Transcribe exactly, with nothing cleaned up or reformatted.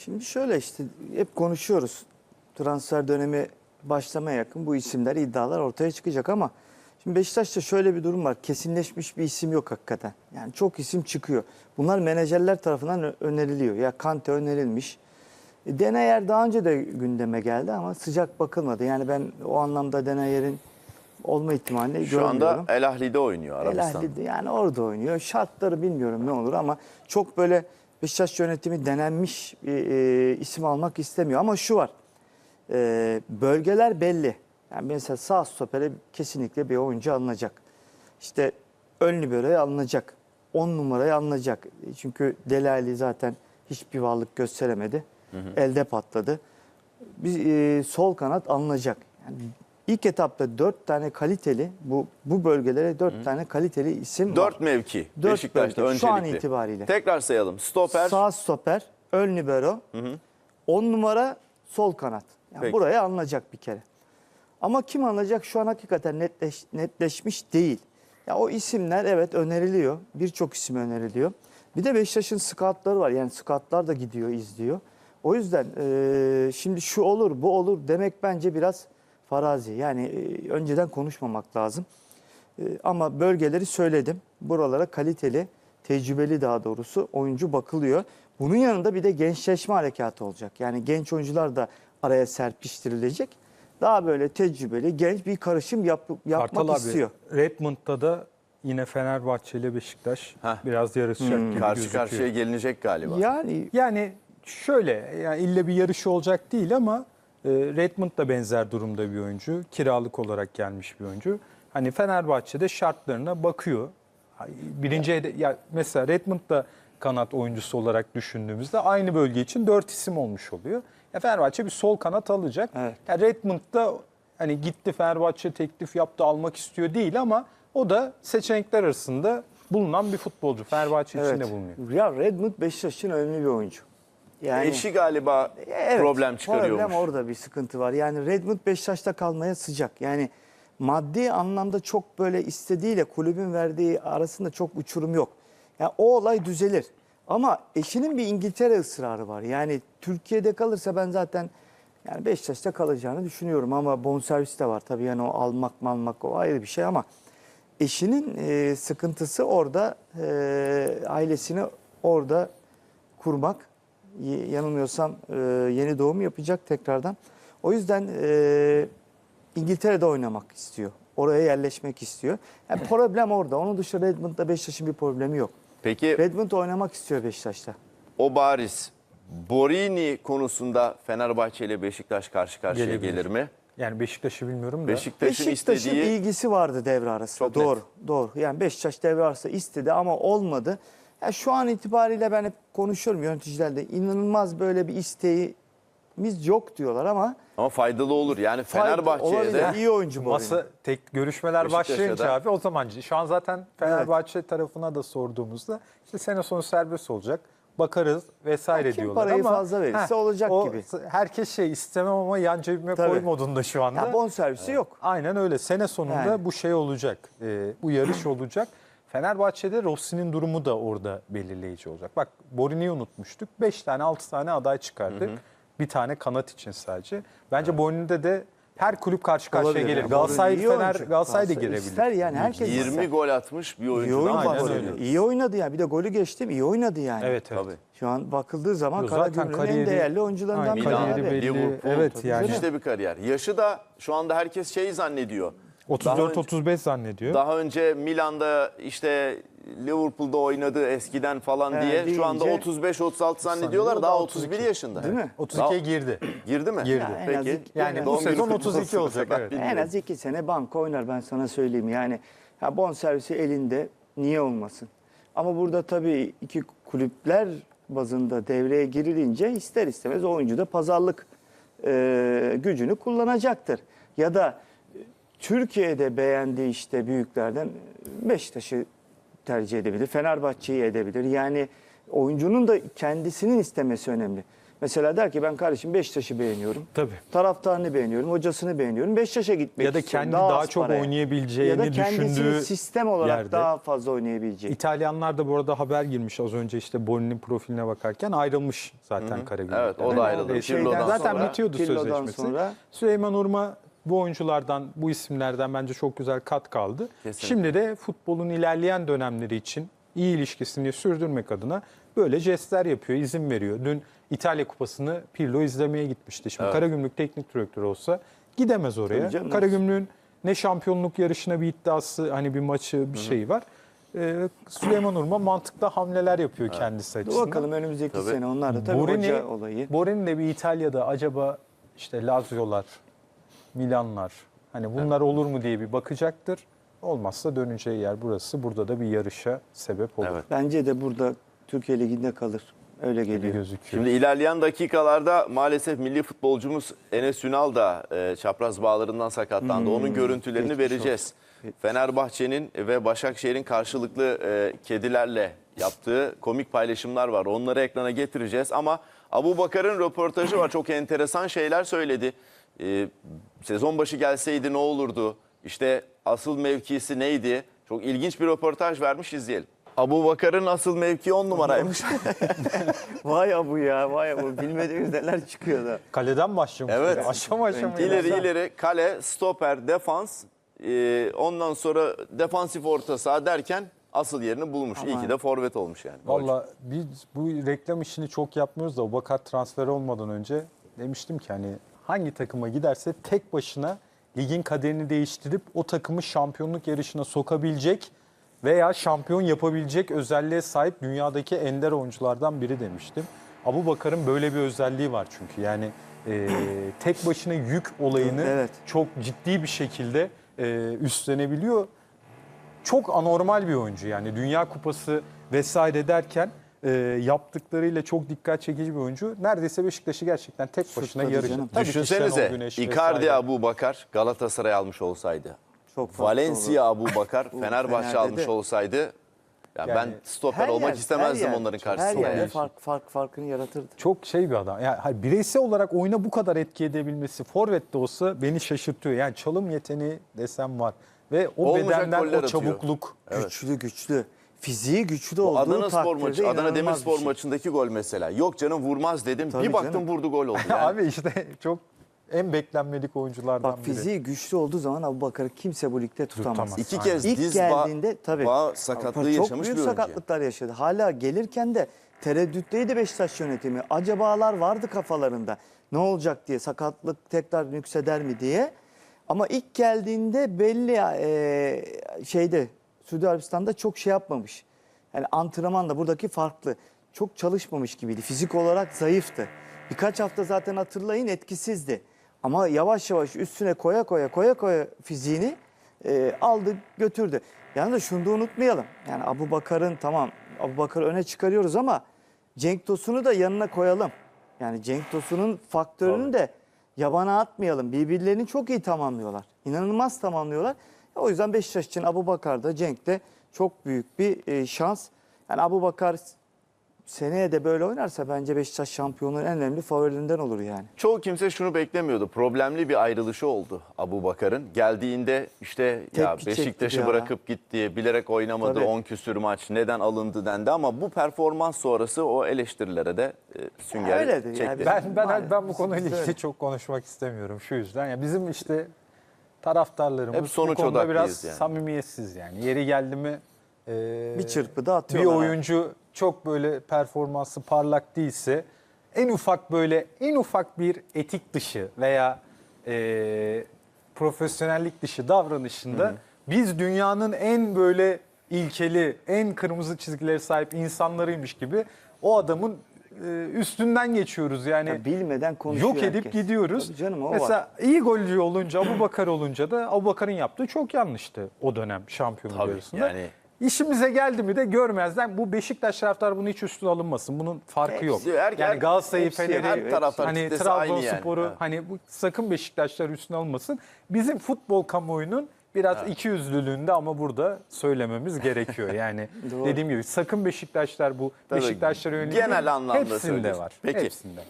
Şimdi şöyle işte hep konuşuyoruz. Transfer dönemi başlamaya yakın bu isimler, iddialar ortaya çıkacak ama şimdi Beşiktaş'ta şöyle bir durum var. Kesinleşmiş bir isim yok hakikaten. Yani çok isim çıkıyor. Bunlar menajerler tarafından öneriliyor. Ya Kante önerilmiş. E, Denayer daha önce de gündeme geldi ama sıcak bakılmadı. Yani ben o anlamda Denayer'in olma ihtimalini Şu görmüyorum. anda El Ahli'de oynuyor El Arabistan. Ahli'de yani orada oynuyor. Şartları bilmiyorum ne olur ama çok böyle Beşiktaş yönetimi denenmiş bir e, isim almak istemiyor. Ama şu var, e, bölgeler belli. Yani mesela sağ stopere kesinlikle bir oyuncu alınacak. İşte ön libero'ya alınacak. on numaraya alınacak. Çünkü Delali zaten hiçbir varlık gösteremedi. Hı hı. Elde patladı. Bir e, sol kanat alınacak. Yani İlk etapta dört tane kaliteli, bu bu bölgelere dört Hı. tane kaliteli isim Dört var. mevki Dört Beşiktaş'ta bölge. öncelikli. Şu an itibariyle. Tekrar sayalım. Stoper. Sağ stoper, ön libero, on numara sol kanat. Yani Peki. buraya alınacak bir kere. Ama kim alınacak şu an hakikaten netleş, netleşmiş değil. Ya o isimler evet öneriliyor. Birçok isim öneriliyor. Bir de Beşiktaş'ın scoutları var. Yani scoutlar da gidiyor, izliyor. O yüzden e, şimdi şu olur, bu olur demek bence biraz farazi. Yani e, önceden konuşmamak lazım. E, ama bölgeleri söyledim. Buralara kaliteli, tecrübeli daha doğrusu oyuncu bakılıyor. Bunun yanında bir de gençleşme harekatı olacak. Yani genç oyuncular da araya serpiştirilecek. Daha böyle tecrübeli, genç bir karışım yap, yapmak Kartal abi, istiyor. Redmond'da da yine Fenerbahçe ile Beşiktaş Heh. biraz yarışacak gibi Karşı gözüküyor. karşıya gelinecek galiba. Yani Yani şöyle, yani ille bir yarışı olacak değil ama e, Redmond da benzer durumda bir oyuncu. Kiralık olarak gelmiş bir oyuncu. Hani Fenerbahçe'de şartlarına bakıyor. Birinci hede- ya mesela Redmond da kanat oyuncusu olarak düşündüğümüzde aynı bölge için dört isim olmuş oluyor. Ya Fenerbahçe bir sol kanat alacak. Evet. Ya Redmond da hani gitti Fenerbahçe teklif yaptı, almak istiyor değil ama o da seçenekler arasında bulunan bir futbolcu. Fenerbahçe evet. içinde bulunuyor. Ya Redmond Beşiktaş'ın önemli bir oyuncu. Yani Eşi galiba evet, problem çıkarıyormuş. Problem orada bir sıkıntı var. Yani Redmond Beşiktaş'ta kalmaya sıcak. Yani maddi anlamda çok böyle istediğiyle kulübün verdiği arasında çok uçurum yok. Yani o olay düzelir. Ama eşinin bir İngiltere ısrarı var. Yani Türkiye'de kalırsa ben zaten yani Beşiktaş'ta kalacağını düşünüyorum ama bonservis de var tabii. Yani o almak almak o ayrı bir şey ama eşinin e, sıkıntısı orada, e, ailesini orada kurmak. Y- Yanılmıyorsam e, yeni doğum yapacak tekrardan. O yüzden e, İngiltere'de oynamak istiyor. Oraya yerleşmek istiyor. Yani problem orada. Onun dışında Redmond'da Beşiktaş'ın bir problemi yok. Peki Redmond oynamak istiyor Beşiktaş'ta. o bariz. Borini konusunda Fenerbahçe ile Beşiktaş karşı karşıya Gelebilir. gelir mi? Yani Beşiktaş'ı bilmiyorum da. Beşiktaş'ın Beşiktaş'ın istediği ilgisi vardı devre arasında. Çok net. Doğru, doğru. Yani Beşiktaş devre arasında istedi ama olmadı. Yani şu an itibariyle ben hep konuşuyorum yöneticilerle. İnanılmaz böyle bir isteğimiz yok diyorlar ama ama faydalı olur. Yani fayda- Fenerbahçe'ye olabilir. de iyi oyuncu bu. Masa tek görüşmeler Beşiktaş'a başlayınca da- abi o zaman şu an zaten Fenerbahçe tarafına da sorduğumuzda işte sene sonu serbest olacak. Bakarız vesaire Ya kim diyorlar parayı ama fazla verirse heh, olacak o, gibi. Herkes şey istemem ama yan cebime Tabii. koy modunda şu anda. Ya bonservisi yok. Aynen öyle. Sene sonunda Yani. bu şey olacak. E, bu yarış olacak. Fenerbahçe'de Rossi'nin durumu da orada belirleyici olacak. Bak Borini'yi unutmuştuk. beş tane altı tane aday çıkardık. Hı hı. Bir tane kanat için sadece. Bence evet. Borini'de de her kulüp karşı karşıya Olabilir. gelir. Yani Galatasaray, iyi Fener, oyuncu. Galatasaray da Galatasaray girebilir. ister yani herkes yirmi ister. gol atmış bir İyi oyuncudan oyun Aynen bahsediyor. öyle. İyi oynadı yani. Bir de golü geçtim. İyi oynadı yani. Evet evet. Tabii. Şu an bakıldığı zaman Yo, zaten Karagümrük'ün en kariyeri- değerli oyuncularından Aynen, biri Milan, abi. kariyeri belli. Liverpool, Evet yani. müthiş de bir kariyer. Yaşı da şu anda herkes şey zannediyor. otuz Daha dört önce- otuz beş zannediyor. Daha önce Milan'da işte Liverpool'da oynadı eskiden falan He, diye. Şu anda deyince- otuz beş otuz altı zannediyorlar. Zannediyor, Daha daha otuz bir otuz iki. yaşında. Değil mi? otuz ikiye Daha- girdi. Girdi mi? Girdi. Ya en az Peki. iki- Yani en bu az- sezon günü otuz iki kutlu olacak. olsun. Evet. En az iki sene banka oynar ben sana söyleyeyim. Yani ya bonservisi elinde niye olmasın? Ama burada tabii iki kulüpler bazında devreye girilince ister istemez oyuncu da pazarlık e, gücünü kullanacaktır. Ya da e, Türkiye'de beğendiği işte büyüklerden Beşiktaş'ı tercih edebilir, Fenerbahçe'yi edebilir. Yani oyuncunun da kendisinin istemesi önemli. Mesela der ki ben kardeşim Beşiktaş'ı beğeniyorum. Tabii. Taraftarını beğeniyorum, hocasını beğeniyorum. Beşiktaş'a gitmek Ya da istiyorum. kendi daha az çok paraya. oynayabileceğini ya da kendisini düşündüğü sistem olarak yerde. daha fazla oynayabileceği. İtalyanlar da bu arada haber girmiş az önce işte Boni'nin profiline bakarken ayrılmış zaten Karagümrük'ten. Evet, o da ayrıldı. Ee, şeyden Pirlo'dan zaten sonra- bitiyordu Pirlo'dan sözleşmesi. sonra- Süleyman Urma bu oyunculardan, bu isimlerden bence çok güzel kat kaldı. Kesinlikle. Şimdi de futbolun ilerleyen dönemleri için iyi ilişkisini sürdürmek adına böyle jestler yapıyor, izin veriyor. Dün İtalya Kupası'nı Pirlo izlemeye gitmişti. Şimdi Evet. Karagümrük teknik direktörü olsa gidemez oraya. Tabii canım. Karagümrük'ün ne şampiyonluk yarışına bir iddiası, hani bir maçı, bir şeyi var. Ee, Süleyman Urma mantıklı hamleler yapıyor kendisi Dur açısından. bakalım önümüzdeki Tabii. sene onlar da tabii Borini, hoca olayı. Borini de bir İtalya'da acaba işte Lazio'lar, Milanlar hani bunlar olur mu diye bir bakacaktır. Olmazsa döneceği yer burası. Burada da bir yarışa sebep olur. Evet. Bence de burada Türkiye Ligi'nde kalır. Öyle Gibi geliyor. gözüküyor. Şimdi ilerleyen dakikalarda maalesef milli futbolcumuz Enes Ünal da e, çapraz bağlarından sakatlandı. Onun görüntülerini geçmiş vereceğiz. Fenerbahçe'nin ve Başakşehir'in karşılıklı e, kedilerle yaptığı komik paylaşımlar var. Onları ekrana getireceğiz ama Abubakar'ın röportajı var. Çok enteresan şeyler söyledi. E, sezon başı gelseydi ne olurdu? İşte asıl mevkisi neydi? Çok ilginç bir röportaj vermiş, izleyelim. Abubakar'ın asıl mevki on numaraymış. Vay abu ya, vay abu. Bilmediğimiz neler çıkıyor da. Kaleden başlamış. Evet. böyle, Aşama aşama. İleri ilerler. ileri kale, stoper, defans, e, ondan sonra defansif orta saha derken asıl yerini bulmuş. İyi ki de forvet olmuş yani. Valla biz bu reklam işini çok yapmıyoruz da Abubakar transferi olmadan önce demiştim ki hani hangi takıma giderse tek başına ligin kaderini değiştirip o takımı şampiyonluk yarışına sokabilecek veya şampiyon yapabilecek özelliğe sahip dünyadaki ender oyunculardan biri demiştim. Abubakar'ın böyle bir özelliği var çünkü yani e, tek başına yük olayını Evet. çok ciddi bir şekilde e, üstlenebiliyor. Çok anormal bir oyuncu yani Dünya Kupası vesaire derken e, yaptıklarıyla çok dikkat çekici bir oyuncu. Neredeyse Beşiktaş'ı gerçekten tek başına Sırtladı yarıştı. canım. Tabii ki Şenol Düşünsenize Güneş Icardi vesaire. Abubakar Galatasaray almış olsaydı. Çok farklı Valencia Abubakar Fenerbahçe Fener'de almış de. olsaydı. Ya Yani ben stoper olmak yer- istemezdim her yer- onların Her karşısında. yerde yani. fark, fark, farkını yaratırdı. Çok şey bir adam. Yani hayır, bireysel olarak oyuna bu kadar etki edebilmesi forvet de olsa beni şaşırtıyor. Yani çalım yeteneği desem var. Ve o Olmayacak bedenden goller o atıyor. çabukluk. Güçlü güçlü. Fiziği güçlü Bu olduğu Adana Spor takdirde maçı, Adana inanılmaz Demirspor bir şey. maçındaki gol mesela. Yok canım vurmaz dedim. Tabii bir baktım canım. vurdu gol oldu. Yani. Abi işte çok en beklenmedik oyunculardan Bak biri. fiziği güçlü olduğu zaman Abubakar'ı kimse bu ligde tutamaz. Tutamaz. İki Aynen. kez İlk diz geldiğinde tabii bağ sakatlığı çok yaşamış büyük bir oyuncu. sakatlıklar yaşadı. Hala gelirken de tereddütteydi Beşiktaş yönetimi. Acabalar vardı kafalarında. Ne olacak diye, sakatlık tekrar yükseder mi diye. Ama ilk geldiğinde belli e, şeyde Suudi Arabistan'da çok şey yapmamış. Yani antrenman da buradaki farklı. Çok çalışmamış gibiydi. Fizik olarak zayıftı. Birkaç hafta zaten hatırlayın etkisizdi. Ama yavaş yavaş üstüne koya koya koya koya fiziğini e, aldı götürdü. Yani da şunu da unutmayalım. Yani Abubakar'ın tamam Abubakar'ı öne çıkarıyoruz ama Cenk Tosun'u da yanına koyalım. Yani Cenk Tosun'un faktörünü de yabana atmayalım. Birbirlerini çok iyi tamamlıyorlar. İnanılmaz tamamlıyorlar. O yüzden Beşiktaş için Abubakar da Cenk de çok büyük bir e, şans. Yani Abubakar seneye de böyle oynarsa bence Beşiktaş şampiyonluğun en önemli favorilerinden olur yani. Çoğu kimse şunu beklemiyordu. Problemli bir ayrılışı oldu Abubakar'ın. Geldiğinde işte ya Tepki Beşiktaş'ı çekti ya. bırakıp gitti, bilerek oynamadı, Tabii. on küsür maç neden alındı dendi ama bu performans sonrası o eleştirilere de e, sünger Öyledir çekti. ya, biz- Ben ben Maalesef ben bu konuyla böyle. ilgili çok konuşmak istemiyorum şu yüzden. Ya bizim işte taraftarlarımız Hep sonuç bu konuda odaklıyız biraz yani. samimiyetsiz yani. Yeri geldi mi e, Bir çırpıda bir atıyorlar. oyuncu çok böyle performansı parlak değilse en ufak böyle en ufak bir etik dışı veya e, profesyonellik dışı davranışında biz dünyanın en böyle ilkeli, en kırmızı çizgileri sahip insanlarıymış gibi o adamın e, üstünden geçiyoruz yani. Ya bilmeden konuşuyor Yok edip herkes. gidiyoruz. Tabii canım, o Mesela var. iyi golcü olunca Abubakar olunca da Abubakar'ın yaptığı çok yanlıştı o dönem şampiyonluk Tabii, yarısında. yani- İşimize geldi mi de görmezden bu Beşiktaş taraftarı bunu hiç üstüne alınmasın. Bunun farkı yok. Hepsi, her- yani Galatasaray'ı, hepsi, Fener'i, her taraftar hani kitlesi aynı yani. Trabzonspor'u Evet. hani bu sakın Beşiktaşlar üstüne alınmasın. Bizim futbol kamuoyunun Biraz ikiyüzlülüğünde ama burada söylememiz gerekiyor. Yani Doğru. dediğim gibi sakın Beşiktaşlar bu Tabii, Beşiktaşlara yönelik genel değil, anlamda hepsinde söylüyorsun. var. Peki. Hepsinde.